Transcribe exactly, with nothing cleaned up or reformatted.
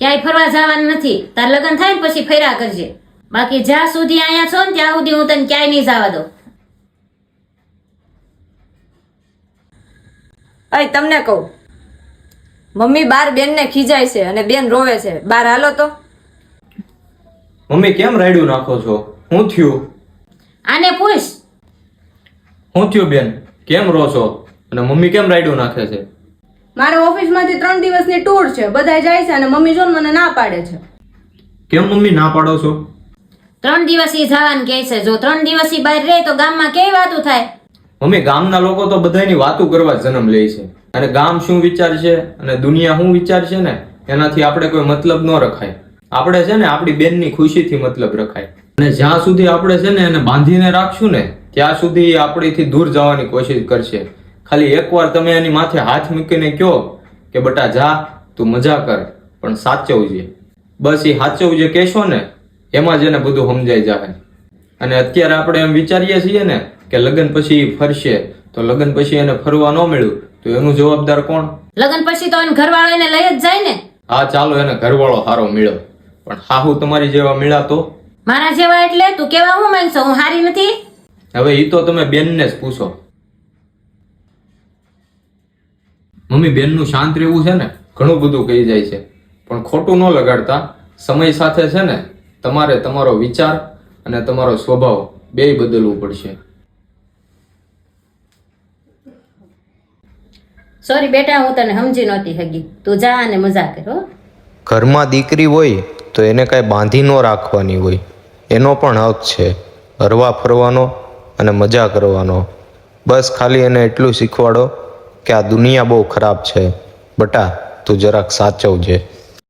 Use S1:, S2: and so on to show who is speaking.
S1: ક્યાંય ફરવા જવાનું નથી. તાર લગ્ન થાય ને પછી ફર્યા કરજે. બાકી જ્યાં સુધી અહીંયા છો ને ત્યાં સુધી હું તને ક્યાંય નહીં જવા દઉં.
S2: અય તમને કહું, મમ્મી બાર બેન ને ખીજાય છે અને બેન રોવે છે. બાર હાલો તો.
S3: મમ્મી કેમ રાયડું નાખો છો? હું થયું?
S1: આને પૂછ.
S3: હું થયું બેન? કેમ રો છો? અને મમ્મી કેમ રાયડું નાખે છે?
S2: મારે ઓફિસમાંથી ત્રણ દિવસની ટૂર છે, બધા જાય છે અને મમ્મી જો મને ના પાડે છે.
S3: કેમ મમ્મી ના પાડો છો?
S1: ત્રણ દિવસી જવાનું કહે છે. જો ત્રણ દિવસી બહાર રહે તો ગામમાં કેવી વાતું થાય?
S3: મમ્મી ગામના લોકો તો બધાની વાતો કરવા જન્મ લે છે, અને ગામ શું વિચારશે અને દુનિયા શું વિચારશે ને એનાથી આપણે કોઈ મતલબ ન રખાય. આપણે છે ને આપણી બેનની ખુશીથી મતલબ રખાય. અને જ્યાં સુધી આપણે છે ને એને બાંધીને રાખશું ને ત્યાં સુધી એ આપણીથી દૂર જવાની કોશિશ કરશે. ખાલી એકવાર તમે એની માથે હાથ મૂકીને કહો કે બટા જા તું મજા કર પણ સાચવજે, બસ એ સાચવજે કહેશો ને એમાં જ એને બધું સમજાઈ જાય. અને અત્યારે આપણે એમ વિચારીએ છીએ ને કે લગ્ન પછી ફરશે, તો લગ્ન પછી એને ફરવા ન મળ્યું તો એનું જવાબદાર કોણ?
S1: લગ્ન પછી તો એને ઘરવાળો એને લઈ જ જાય ને.
S3: હા ચાલો એને ઘરવાળો સારો મળ્યો, પણ હાહુ તમારી જેવા મળ્યા તો?
S1: મારા જેવા એટલે તું કેવા હું માંગશો? હું હારી નથી?
S3: હવે એ તો તમે બેનને જ પૂછો. મમ્મી બેનનું શાંત રહેવું છે ને ઘણું બધું કહી જાય છે, પણ ખોટું ન લગાડતા. સમય સાથે છે ને તમારે તમારો વિચાર અને તમારો સ્વભાવ બેય બદલવું પડશે.
S1: સોરી બેટા, હું તને સમજી નહોતી હગી. તું જા અને મજા કર હો.
S4: ઘરમાં દીકરી હોય તો એને કાંઈ બાંધી ન રાખવાની હોય, એનો પણ હક છે હરવા ફરવાનો અને મજા કરવાનો. બસ ખાલી એને એટલું શીખવાડો કે આ દુનિયા બહુ ખરાબ છે, બટા તું જરાક સાચવજે.